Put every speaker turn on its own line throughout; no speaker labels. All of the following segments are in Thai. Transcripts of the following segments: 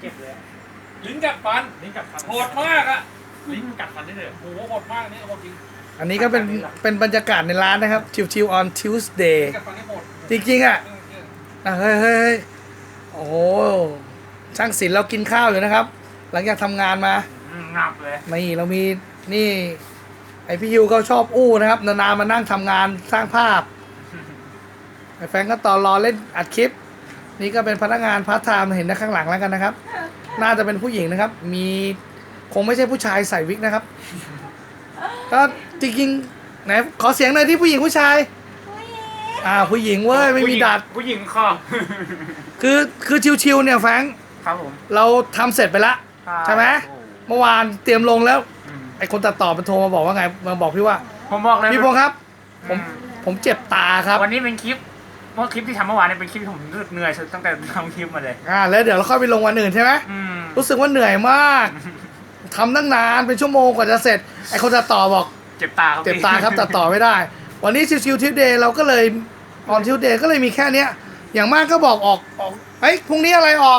ก็บเลย
ลิ้นกัดฟัน
ลิ้นกัดฟัน
โหดมากอ่ะ
ลิ้นกัดฟันได้เลย
โหโหดมากนี่โหดจริง
อันนี้ก็เป็นบรรยากาศในร้านนะครับชิวๆ on Tuesday
ลิ้นกัดฟันนี่โหด
จริงๆอ่ะเฮ้ยโอ้โหช่างศิลป์เรากินข้าวอยู่นะครับ หลังจากทำงานมา
งับเลย
นี่เรามีนี่ไอพี่ยูเขาชอบอู้นะครับนานๆมานั่งทำงานสร้างภาพไอแฟนก็ต่อรอเล่นอัดคลิป นี่ก็เป็นพนักงานพาร์ทไทม์เห็นนะข้างหลังแล้วกันนะครับ น่าจะเป็นผู้หญิงนะครับ มีคงไม่ใช่ผู้ชายใส่วิกนะครับ ก็จริงๆไหนขอเสียงหน่อยที่ผู้หญิงผู้ชายผู้หญิงเว้ยไม่มีดัด
ผู้หญิงค่ะ
คือชิวๆเนี่ยแฟรงค์
ครับผม
เราทำเสร็จไปแล้วใช่ไหมเมื่อวานเตรียมลงแล้วไอคนตัดต่อมันโทรมาบอกว่าไงมาบอกพี่ว่า
ผมบอกเลย
พี่พงษ์ครับผมเจ็บตาครับ
วันนี้เป็นคลิปที่ทำเมื่อวานเนี่ยเป็นคลิปที่ผมเหนื่อยตั้งแต่ทำคลิปมาเลย
แล้วเดี๋ยวเราค่อยไปลงวันอื่นใช่ไหมรู้สึกว่าเหนื่อยมากทำตั้งนานเป็นชั่วโมงกว่าจะเสร็จไอคนตัดต่อบอก
เจ็บตาครับ
เจ็บตาครับตัดต่อไม่ได้ วันนี้ชิวๆทิวเดย์เราก็เลยออนทิวเดย์ก็เลยมีแค่เนี้ยอย่างมากก็บอกออกเฮ้ยพรุ่งนี้อะไรออก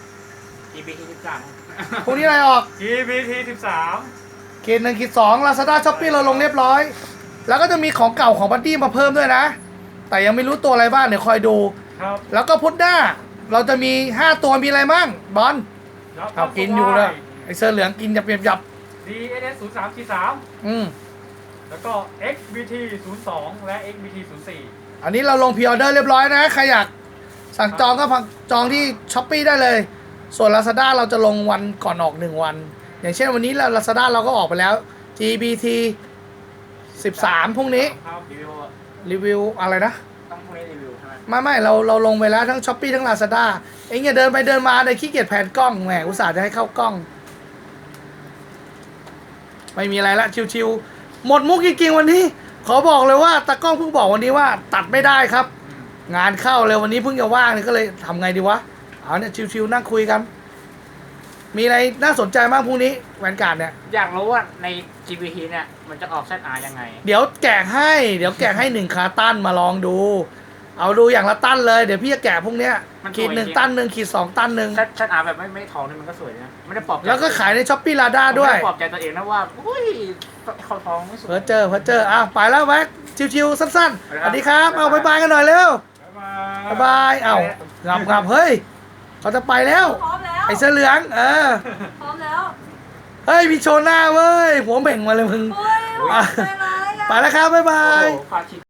EBT
พรุ่งนี้อะไรออก
13
เกณฑ์1 2 Lazada Shopee เราลงเรียบร้อย แล้วก็จะมีของเก่าของบัดดี้มาเพิ่มด้วยนะ แต่ยังไม่รู้ตัวอะไรบ้างเดี๋ยวคอยดู
ครับ
แล้วก็พุธหน้าเราจะมี5ตัวมีอะไรมั่งบอลเอากินอยู่เลยไอเสื้อเหลืองกินยับ
DNS 03-3แล้วก็ XBT 02และ XBT 04
อันนี้เราลงพรีออเดอร์เรียบร้อยนะใครอยากสั่งจองก็จองที่ Shopee ได้เลย ส่วน Lazada เราจะลงวันก่อนออก1 วัน อย่างเช่นวันนี้ Lazada เราก็ออกไปแล้ว GBT 13พรุ่งนี้
ครับรีวิว
รีวิวอะไรนะ
ต้องพรุ่งนี้รีวิวใช่ไหม
ไม่เราลงไปแล้วทั้ง Shopee ทั้ง Lazada เอ็งอย่าเดินไปเดินมาเลยขี้เกียจแผนกล้องแหมอุตส่าห์จะให้เข้ากล้อง ไม่มีอะไรละชิวๆหมดมุกจริงๆวันนี้ ขอบอกเลยว่าตากล้องเพิ่งบอกวันนี้ว่าตัดไม่ได้ครับ งานเข้าเลยวันนี้เพิ่งจะว่างเลยก็เลยทำไงดีวะเอาเนี่ยชิวๆนั่งคุยกัน มีอะไรน่าสนใจบ้างพรุ่งนี้แวนการ์ดเนี่ย
อยากรู้ว่าใน GBT เนี่ยมันจะออก ZR ยังไง
เดี๋ยวแกะให้1 คาตั้นมาลองดู เอาดูอย่างละตั้นเลยเดี๋ยวพี่จะแกะพวกเนี้ยขีด1 ตั้น 1ขีด2 ตั้น
ZR แบบไม่ทองนี่มันก็สวยนะไม่ได้ปลอบใจ
แล้วก็ขายในช้อปปี้ลาด้าด้วย
ไม่ได้ปลอบใจตัวเองนะว่าอุ้ยเขาทองไม่สวย
เพอเจออ้าวไปแล้วแว็กชิวๆสั้นๆสวัสดีครับเอาบายกันหน่อยเร็วบายเอางับเฮ้ยเขาจะไปแล้ว
พร้อมแล้ว
ไอ้เสื้อเหลือง
พร้อมแล้ว
เฮ้ยมีโชว์หน้าเว้ยหัวเบ่งมาเลยมึง
เฮ้ยโหดไปเลยอ่ะ
ไปแล้วครับบ๊ายบาย
โอ้โหฟาดชิ